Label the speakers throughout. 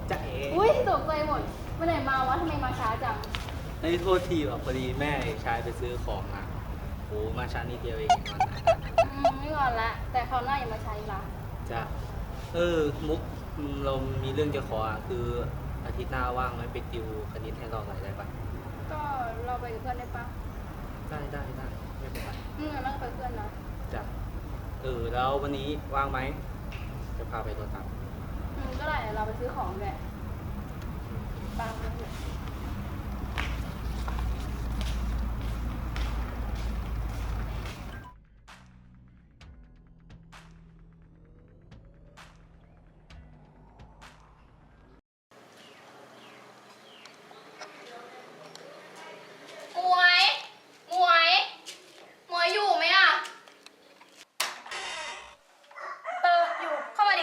Speaker 1: จะเอ๋
Speaker 2: อุ้ยตกใจหมดเมื่อไหร่มาวะทำไมมาช้าจัง
Speaker 1: ไอ้โทษทีว่ะพอดีแม่ชายไปซื้อของอ่ะโอ้มาช้านิดเดียวเองวันนั้น
Speaker 2: ไม่ก่อนละแต่คราวหน้าอย่ามาใช้ละ
Speaker 1: จะมุกเรามีเรื่องจะขออ่ะคืออาทิตย์หน้าว่างไหมไปติวคณิตให้เราหน่อยได้ปะ
Speaker 2: ก็เราไปกับเพื่อนได้ปะ
Speaker 1: ได้ไม่เป็นไร
Speaker 2: นั่งไปเพื่อนนะ
Speaker 1: จ้ะแล้ววันนี้ว่างไหมจะพาไปรถตัก
Speaker 2: ก็ได้เดี๋ยวเราไปซื้อของแหละตามกันเถอะหมวยหมวยหมวยอยู่ไหมอ่ะ อยู่ เข้ามาดิ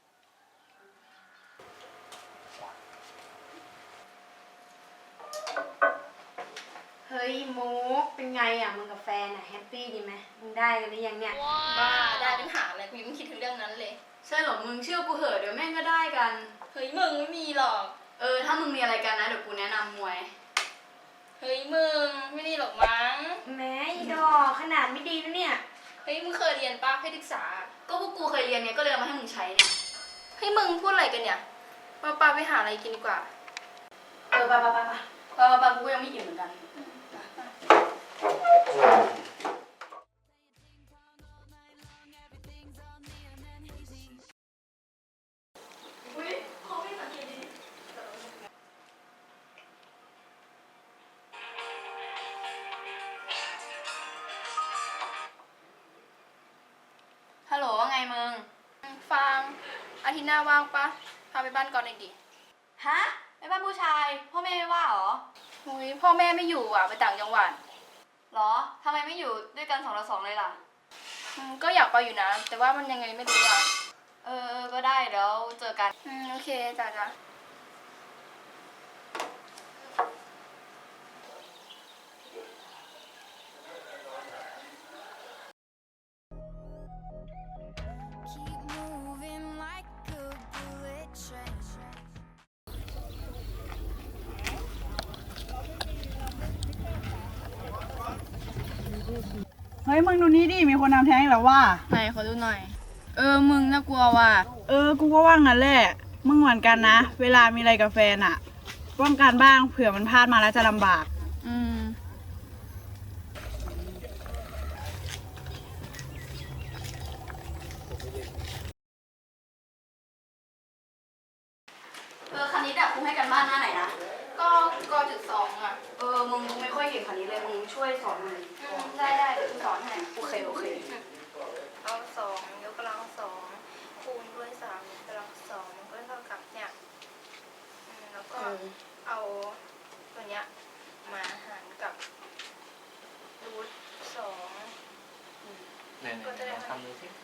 Speaker 3: เฮ้ยมุกเป็นไงอ่ะมึงกับแฟนอ่ะแฮปปี้ดีไหมมึงได้กันหรือยังเนี่ย
Speaker 2: บ้าได้ปัญหาอะไรกูยังไม่คิดถึงเรื่องนั้นเลย
Speaker 3: ใช่เหรอมึงเชื่อกูเหอะเดี๋ยวแม่งก็ได้กัน
Speaker 2: เฮ้ยมึงไม่มีหรอก
Speaker 3: ถ้ามึงมีอะไรกันนะเดี๋ยวกูแนะนำมวย
Speaker 2: เฮ้ยมึงไม่ได้หรอกมั้ง
Speaker 3: แม้อีดอกขนาดไม่ดีนะเนี่ย
Speaker 2: เฮ้ยมึงเคยเรียนป่ะให้ศึกษา
Speaker 3: ก็พวกกูเคยเรียนเนี่ยก็เลยเอามาให้มึงใช้เนี่ย
Speaker 2: เฮ้ยมึงพูดอะไรกันเนี่ยปาไปหาอะไรกินดีกว่า
Speaker 3: ไปกูก็ยังไม่อิ่มเหมือนกันฮัลโหลว่าไงมึง
Speaker 2: ฟังอาทิตย์หน้าว่างปะพาไปบ้านก่อนหน่อยดิ
Speaker 3: ฮะไปบ้านผู้ชายพ่อแม่ไม่ว่าหรอ
Speaker 2: เฮ้ยพ่อแม่ไม่อยู่อ่ะไปต่างจังหวัด
Speaker 3: หรอทำไมไม่อยู่ด้วยกัน2 ต่อ 2เลยล่ะ
Speaker 2: ก็อยากไปอยู่นะ แต่ว่ามันยังไงไม่รู้อ่ะ
Speaker 3: ก็ได้เดี๋ยวเจอกัน
Speaker 2: โอเคจ้ะ
Speaker 4: Keep moving like a bullet train.
Speaker 5: เฮ้ยมึงดูนี่ดิ มีคนทำแท้งอีกแล้วว่า
Speaker 2: ไหนขอดูหน่อย มึงน่ากลัวว่ะ
Speaker 5: กูก็ว่างนั่นแหละ มึงเหมือนกันนะ เวลามีอะไรกับแฟนอะป้องกันบ้างเผื่อมันพลาดมาแล้วจะลำบาก
Speaker 3: คณิตอะครูให้กันบ้านหน้าไหนนะ
Speaker 2: ก็จุดสองอ่ะ
Speaker 3: มึงไม่ค่อยเก่งคณิตเลยมึงช่วยสอนหน่อย
Speaker 2: ได้เดี๋ยวกูสอนให้
Speaker 3: โอเค
Speaker 2: เอาสองยกกำลังสองคูณด้วยสามยกกำลังสองมันก็เท่ากับเนี่ยแล้วก็เอาตัวเนี้ยมาหารกับรูทสอง
Speaker 1: ไหนลองทำดูสิ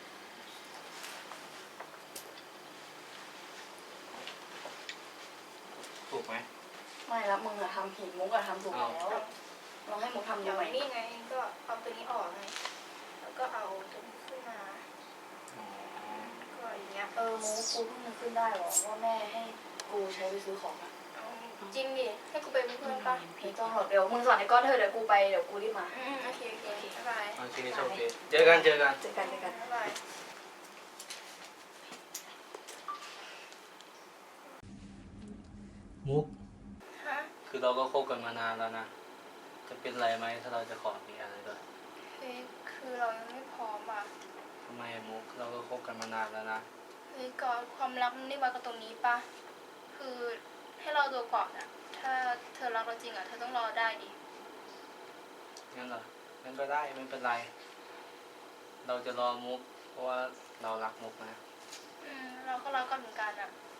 Speaker 1: ถูกไหม
Speaker 3: ไม่ละมึงอะทำผิดมุกอะทำถูกแล้วลองให้มุกทำดู
Speaker 2: เดี๋ยว
Speaker 3: ใหม่
Speaker 2: นี่ไงก็เอาตัวนี้ออกไงแล้วก็เอาตัวนี้ขึ้นมาก็อย่างเงี้ย
Speaker 3: มุกกูเพิ่งนึกขึ้นได้หรอว่าแม่ให้กูใช้ไปซื้อของอะ
Speaker 2: เอาจริงดิให้กูไปเป็นเพื่อนปะ
Speaker 3: ไม่ต้องหรอกเดี๋ยวมึงสอนไอ้ก้อนเธอเดี๋ยวกูไปเดี๋ยวกูรีบมา
Speaker 2: โอเคบ๊ายบาย
Speaker 1: โอเคโชคดีเจอกัน
Speaker 3: เจอกัน
Speaker 2: บ๊ายบาย
Speaker 1: มุก
Speaker 2: ฮะ
Speaker 1: คือเราก็คบกันมานานแล้วนะ จะเป็นไรไหมถ้าเราจะขอมีอะไรด้วย
Speaker 2: เฮ้ยคือเรายังไม่พร้อมอ่ะ
Speaker 1: ทำไมมุกเราก็คบกันมานานแล้วนะ
Speaker 2: เฮ้ยก่อนความรักมันได้มากับตรงนี้ปะคือให้เราตัวก่อนอ่ะ ถ้าเธอรักเราจริงอ่ะเธอต้องรอได้ดิ
Speaker 1: งั้นเหรองั้นก็ได้ไม่เป็นไร เราจะรอมุกเพราะว่าเรารักมุกนะ
Speaker 2: เราก็รักกันเหมือนกันอ่ะ